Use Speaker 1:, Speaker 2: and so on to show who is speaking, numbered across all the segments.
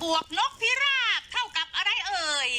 Speaker 1: วกนกพิราบเท่ากับอะไรเอ่ย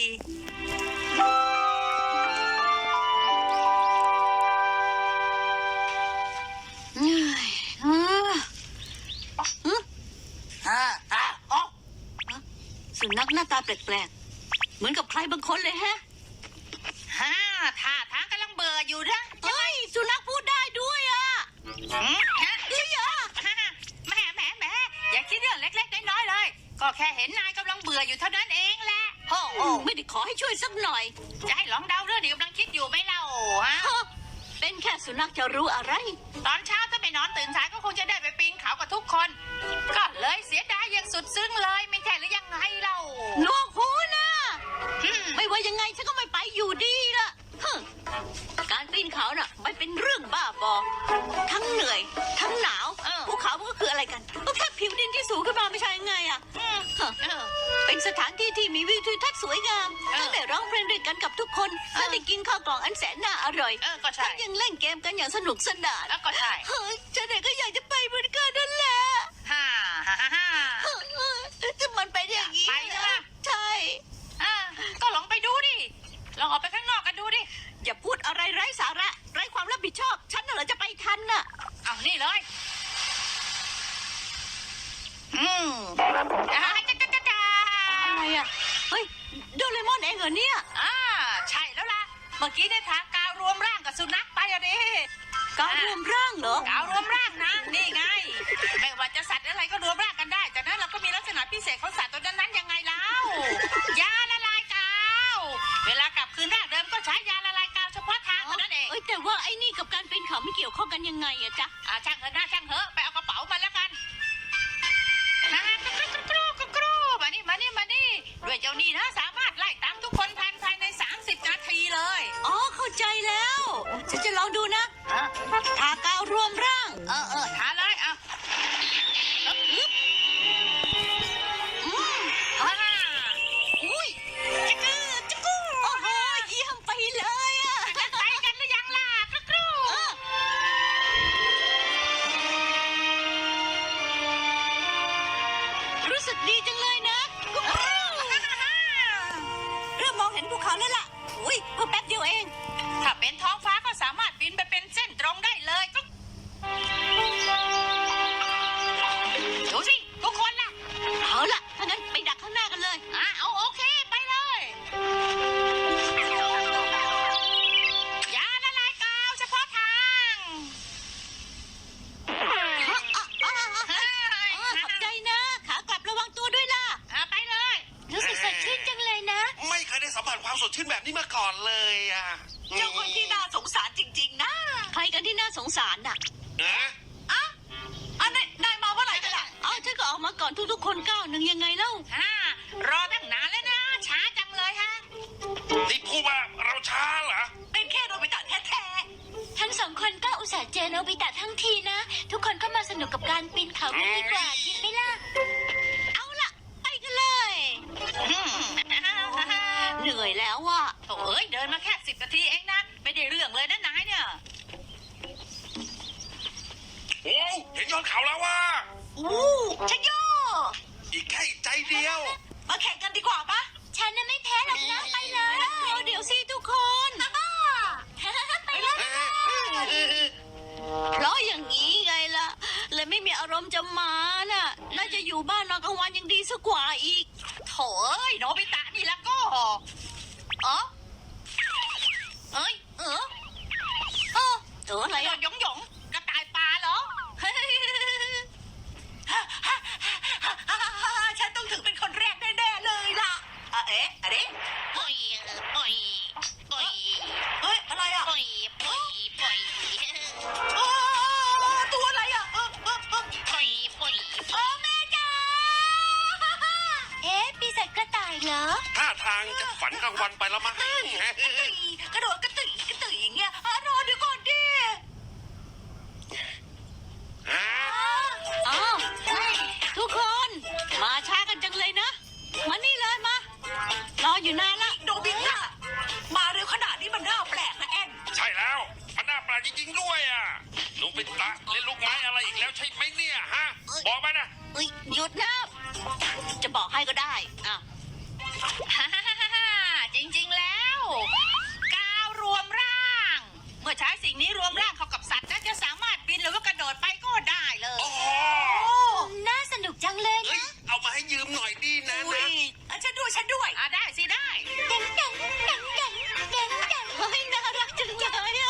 Speaker 2: สุนัขหน้าตาแปลกๆเหมือนกับใครบางคนเลยฮะ
Speaker 1: ท่าทางกำลังเบื่ออยู่นะ
Speaker 2: เฮ้ยสุนัขพูดได้ด้วยอ่ะ
Speaker 1: เฮ้ยแหมอย่าคิดเรื่องเล็กๆน้อยๆเลยก็แค่เห็นนายกำลังเบื่ออยู่เท่านั้นเองแหละ
Speaker 2: โอ้ไม่ได้ขอให้ช่วยสักหน่อย
Speaker 1: จะให้ลองเดาเรื่องที่กำลังคิดอยู่ไหมเล่าฮะ
Speaker 2: เป็นแค่สุนัขจะรู้อะไร
Speaker 1: ตอนเช้าถ้าไปนอนตื่นสายก็คงจะได้ไปปีนเขากับทุกคนก็เลยเสียดายอย่างสุดซึ้งเลยไม่ใช่หรือยังไงเล่า
Speaker 2: ลวกหูนะไม่ว่ายังไงฉันก็ไม่ไปอยู่ดีล่ะการปีนเขาน่ะไม่เป็นเรื่องบ้าบอทั้งเหนื่อยทั้งหนาวภูเขามันก็คืออะไรกันก็แค่ผิวดินที่สูงขึ้นมาไม่ใช่ยังไงอ่ะเป็นสถานที่ที่มีวิวทิวทัศน์สวยงามทั้งได้ร้องเพลงด้วยกันกับทุกคนและได้กินข้าวกล่องอันแสนน่าอร่อยทั้งยังเล่นเกมกันอย่างสนุกสนาน
Speaker 1: ก็ใช่
Speaker 2: ฉันเองก็อยากจะไปเหมือนกันนั่นแหละจะมันเป็นอย่างนี้ใช่
Speaker 1: ก็ลองไปดูดิลองออกไปข้างนอกกันดูดิ
Speaker 2: อย่าพูดอะไรไร้สาระไร้ความรับผิดชอบฉันน่ะเหรอจะไปทันน่ะ
Speaker 1: เอานี่เลย
Speaker 2: อะไรอ่ะเฮ้ยโดเรมอนเองเหรอเนี่ย
Speaker 1: ใช่แล้วล่ะเมื่อกี้ได้ทากาวรวมร่างกับสุนัขไปอะดิ
Speaker 2: กาวรวมร่างเหร
Speaker 1: อกาวรวมร่างนะนี่ไงไม่ว่าจะสัตว์อะไรก็รวมร่างกันได้จากนั้นเราก็มีลักษณะพิเศษของสัตว์ตัวนั้นยังไงแล้วยาละลายกาวเวลากลับคืนร่างเดิมก็ใช้ยาละลายกาวเฉพาะทางเท่านั้นเอง
Speaker 2: แต่ว่าไอ้นี่กับการเป็นเขาไม่เกี่ยวข้องกันยังไงอะจ๊ะ
Speaker 1: ช่างเถอะนะช่างเถอะไปเอากระเป๋ามาแล้วกันกรูมานี่ด้วยเจ้านี่นะสามารถไล่ตามทุกคนภายใน30 นาทีเลย
Speaker 2: เข้าใจแล้วฉันจะลองดูนะทากาวรวมร่าง
Speaker 1: ทาเลย
Speaker 2: อุ้ยจักรูโอ้โหเยี่ยมไปเลยอะ
Speaker 1: ไปกันหรือยังล่ะกรู
Speaker 2: รู้สึกดีจังเลยนะเริ่มมองเห็นภูเขาแล้วล่ะอุ้ยเพิ่งแป๊บเดียวเอง
Speaker 1: ถ้าเป็นท้องฟ้าก็สามารถบินไปเป็นเส้นตรงได้เลยดูสิทุกคนล่ะ
Speaker 2: เอาล่ะถ้างั้นไปดักข้างหน้ากันเลย
Speaker 1: เอาโอเคไปเลยยาละลายกาวเฉพาะทาง
Speaker 2: ขอบใจนะขากลับระวังตัวด้วยล่ะ
Speaker 1: ไปเลย
Speaker 2: รู้สึกสดชื่นจังเลยนะ
Speaker 3: ไม่เคยได้สัมผัสความสดชื่นแบบนี้มาก่อนเลยอ่ะ
Speaker 1: เจ้าคนที่น่าสงสารจริงๆนะ
Speaker 2: ใครกันที่น่าสงสารน่ะ
Speaker 1: นายมาเมื่อไหร่กันล่ะ
Speaker 2: ฉันก็ออกมาก่อนทุกๆคนก้าวหนึ่งยังไงเล่
Speaker 1: ารอตั้งนานแล้วนะช้าจังเลยฮะ
Speaker 3: นี่พูดว่าเราช้าเหรอ
Speaker 1: เป็นแค่โนบิตะแท้
Speaker 2: ๆทั้งสองคนก็อุตส่าห์เจอโนบิตะทั้งทีนะทุกคนก็มาสนุกกับการปีนเขากันดีกว่าคิดไหมล่ะเอาล่ะไปกันเลยเหนื่อยแล้วว่ะ
Speaker 1: เดินมาแค่10 นาทีเองนะไม่ได้เรื่องเลยนะนายเนี่ย
Speaker 3: โอ้เห็นยอดเขาแล้วว่ะ
Speaker 1: ชัยโย
Speaker 3: อีกแค่ใจเดียว
Speaker 1: มาแข่งกันดีกว่าปะ
Speaker 2: ฉันน่ะไม่แพ้หรอกนะไปเลยเดี๋ยวสิทุกคนไปเลยเพราะอย่างนี้ไงล่ะเลยไม่มีอารมณ์จะมาน่ะน่าจะอยู่บ้านนอนกลางวันยังดีสักกว่าอีก
Speaker 1: โถ่โนบิตะนี่แล้วก็
Speaker 2: ตัวอะไร
Speaker 1: หยงกระต่ายปลาเหรอฉันต้องถึงเป็นคนแรกแน่ๆเลยล่ะอะไรอะไรอ่ะตัวอะไรอ่ะแม่จ๋า
Speaker 2: ปีศาจกระต่ายเหรอ
Speaker 3: ท่าทางจะฝันกลางวันไปแล้วมั้ง
Speaker 1: กระโดดกระตุยอย่างเงี้ยรอเดี๋ยวก่อนดิ
Speaker 2: ทุกคนมาช้ากันจังเลยนะมานี่เลยมารออยู่นานละ
Speaker 1: โนบิตะมาเร็วขนาดนี้มันน่าแปลกนะแอน
Speaker 3: ใช่แล้วมันน่าแปลกจริงๆด้วยอ่ะโนบิตะเล่นลูกไม้อะไรอีกแล้วใช่ไหมเนี่ยฮะบอกมานะ
Speaker 2: หยุดนะจะบอกให้ก็ได้อ่ะ
Speaker 1: จริงๆแล้วกาวรวมร่าง เมื่อใช้สิ่งนี้รวมร่างเข้ากับสัตว์แล้วจะสามารถบินหรือว่ากระโดดไปก็ได้เลย
Speaker 3: อ๋อ
Speaker 2: น่าสนุกจังเลย
Speaker 3: เอ้ย เอามาให้ยืมหน่อยดีนะ
Speaker 1: อุ้
Speaker 3: นะ
Speaker 1: ยฉันด้วยได้สิได้
Speaker 2: เด้งเด้งเด้งเด้งเด้งเด้งเฮ้ยน่ารักจังเลยอ่ะ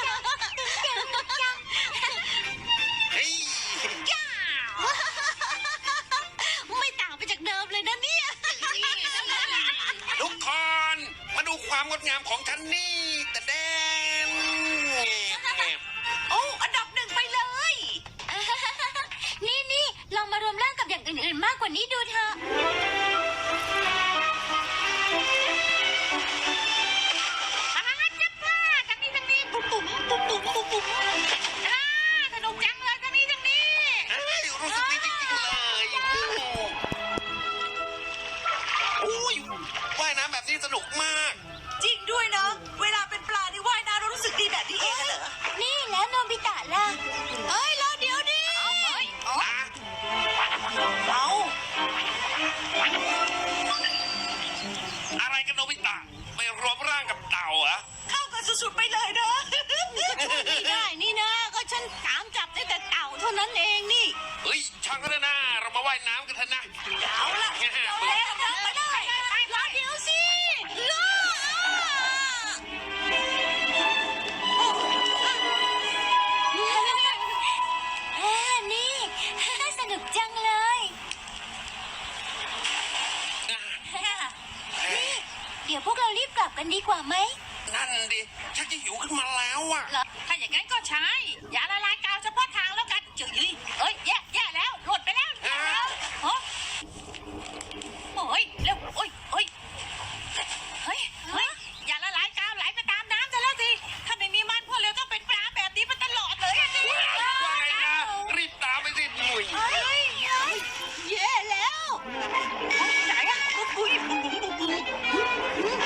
Speaker 3: เฮ้ย
Speaker 2: ไม่ต่างไปจากเดิมเลยนะเนี่ย
Speaker 3: ทุกคน มาดูความงดงามของฉันนี่แต่แดง
Speaker 1: โอ้อันดับหนึ่งไปเลย
Speaker 2: นี่ลองมารวมร่างกับอย่างอื่นๆมากกว่านี้ดูเถอะ
Speaker 1: ทั้งนี้ปุ๊บปุ๊บสนุกจังเลยทั้งนี้
Speaker 3: เฮ้ยรู้สึกดีจริงๆเลยอุ้ยว่ายน้ำแบบนี้สนุกมาก
Speaker 1: จริงด้วยเนาะเวลาเป็นปลาที่ว่ายน้ำเรารู้สึกดีแบบนี้เองเหรอ
Speaker 2: นี่แล้วโนบิตะล่ะเอ้ยรอเดี๋ยวดิ
Speaker 3: อ่ะ
Speaker 1: เอา
Speaker 3: อะไรกันโนบิตะไปรวมร่างกับเต่าเหรอ
Speaker 1: เข้ากันสุดๆไปเลยเนาะ
Speaker 2: ไม่ได้นี่นะก็ฉันตามจับได้แต่เต่าเท่านั้นเองนี่
Speaker 3: เฮ้ยช่างก็ได้นะ เรามาว่ายน้ำกันเถอะนะ
Speaker 1: เอาละเอาแล้วนะไปได้
Speaker 2: รอเดี๋ยวสิรอนี่สนุกจังเลย เดี๋ยวพวกเรารีบกลับกันดีกว่าไหม
Speaker 3: นั่นดิชักจะหิวขึ้นมาแล้วอ่ะ
Speaker 1: ถ้าอย่างนั้นก็ใช้ยาละลายกาวเฉพาะทางแล้วกันจืดเอ้ยแย่แล้วหลุดไปแล้วโอ้ยเร็วโอ้ยเฮ้ยยาละลายกาวไหลไปตามน้ำซะแล้วสิถ้าไม่มีมันพวกเราต้องเป็นปลาแบบนี้มาตลอดเลยอะสิ
Speaker 3: ว่าไงนะ รีบตามไปสิหนุ่ย
Speaker 2: แย่แล้ว
Speaker 1: ไหนอะบุ้ยบุ้ย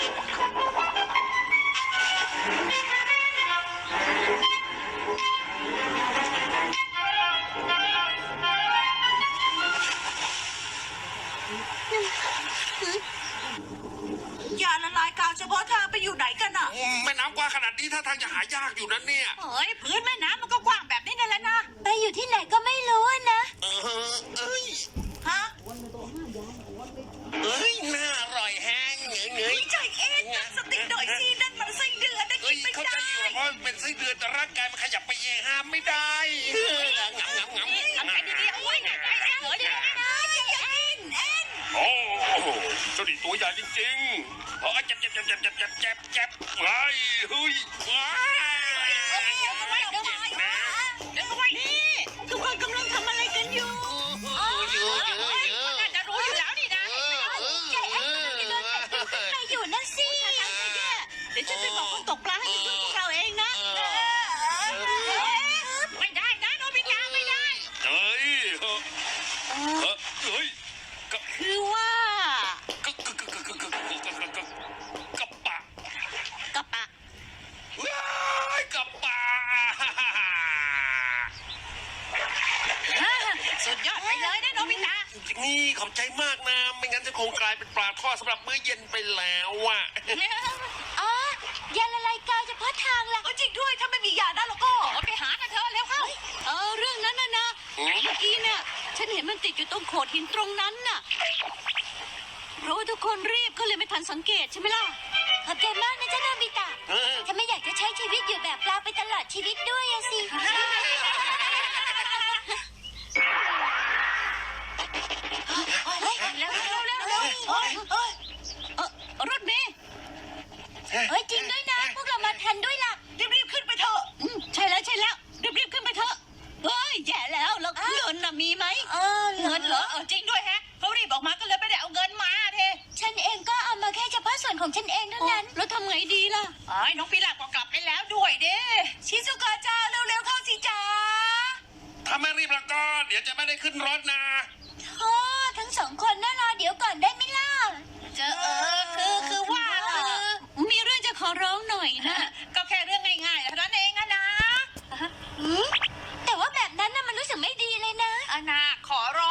Speaker 1: ยาละลายกาวเฉพาะทางไปอยู่ไหนกันอะ
Speaker 3: แม่น้ำกว้างขนาดนี้ถ้าทางจะหายากอยู่นะเนี่ย
Speaker 1: เฮ้ยพื้นแม่น้ำมันก็กว้างแบบนี้นั่นแหละนะ
Speaker 2: ไปอยู่ที่ไหนก็ไม่รู้นะ
Speaker 3: เอ้ย
Speaker 1: ฮะ
Speaker 3: เอ้ยน่าอร่อยแห้งเงย
Speaker 1: ใจเอ็นตั้งสติหน่อยสินั่นมันไส้เดือนได้
Speaker 3: เอ้
Speaker 1: กิ
Speaker 3: ย
Speaker 1: นไม่
Speaker 3: เขา
Speaker 1: ได้
Speaker 3: ใจอยู่เพราะเป็นไส้เดือนแต่ร่างกายมันขยับไปเองห้ามไม่ได้งำ
Speaker 1: ทำใจดีๆเอาไว้หน่อยเหลือดีนะเอ็น
Speaker 3: โอ้เจ้าดิตัวใหญ่จริงๆเพราะเจ็บไอ้เฮ้ยว้าย
Speaker 1: เดี๋ยวไว้นี่
Speaker 2: ทุกคนกำลังทำอะไรกันอยู่
Speaker 1: น่าจะรู้อยู่แล้วนี่นะ
Speaker 2: ใจแอนกำลังจะโดนกัดอยู่ข้างในอยู่นั่นสิเดี๋ยวฉันไปบอกคนตกปลาให้ช่วยพวกเราเองนะ
Speaker 1: ไม่ได้นะโนบิตะไม่ได้
Speaker 3: เฮ้ยเฮ้ย
Speaker 2: คือว่า
Speaker 3: กับปะ
Speaker 2: กระปะ
Speaker 3: ว้ายกับปะ
Speaker 1: สุดยอดไปเลยนะโนบิตะ
Speaker 3: นี่ขอบใจมากนะ ไม่งั้นจะคงกลายเป็นปลาทอดสำหรับมื้อเย็นไปแล้วอ่ะ
Speaker 2: อ๋อยาละลายกาวเฉพาะทางล่ะ
Speaker 1: จริงด้วยถ้าไม่มียาได้แล้วก็ไปหากันเถอะเร็วเข้า
Speaker 2: เรื่องนั้นนะเมื่อกี้เนี่ยฉันเห็นมันติดอยู่ตรงโขดหินตรงนั้นน่ะเพราะว่าทุกคนรีบก็เลยไม่ทันสังเกตใช่ไหมล่ะขอบใจมากนะจ๊ะโนบิตะฉันไม่อยากจะใช้ชีวิตอยู่แบบปลาไปตลอดชีวิตด้วยอะสิ
Speaker 1: เร็ว
Speaker 2: รถเมย์เฮ้ยจริงด้วยนะพวกเรามาทันด้วยล่ะ
Speaker 1: รีบขึ้นไปเถอะ
Speaker 2: ใช่แล้วรีบขึ้นไปเถอะเฮ้ยแย่แล้วเงินน่ะมีไหม
Speaker 1: เงินเหรอจริงด้วยฮะเขารีบออกมาก็เลยไม่ได้เอาเงินมาเท
Speaker 2: ฉันเองก็เอามาแค่เฉพาะส่วนของฉันเองเท่านั้นแล้วทำไงดีล่ะ
Speaker 1: น้องพิลาก็กลับไปแล้วด้วยเด้ชิซุกะจ้าเร็วๆเข้าสิจ้า
Speaker 3: ถ้าไม่รีบแล้วก็เดี๋ยวจะไม่ได้ขึ้นรถนะ
Speaker 2: ทั้งสองคนน่ารอเดี๋ยวก่อนได้ไหมล่ะ
Speaker 1: คือว่า
Speaker 2: มีเรื่องจะขอร้องหน่อยนะ
Speaker 1: ก็แค่เรื่องง่ายๆเท่านั้นเองนะ
Speaker 2: แต่ว่าแบบนั้นน่ะมันรู้สึกไม่ดีเลยนะ
Speaker 1: นาขอร้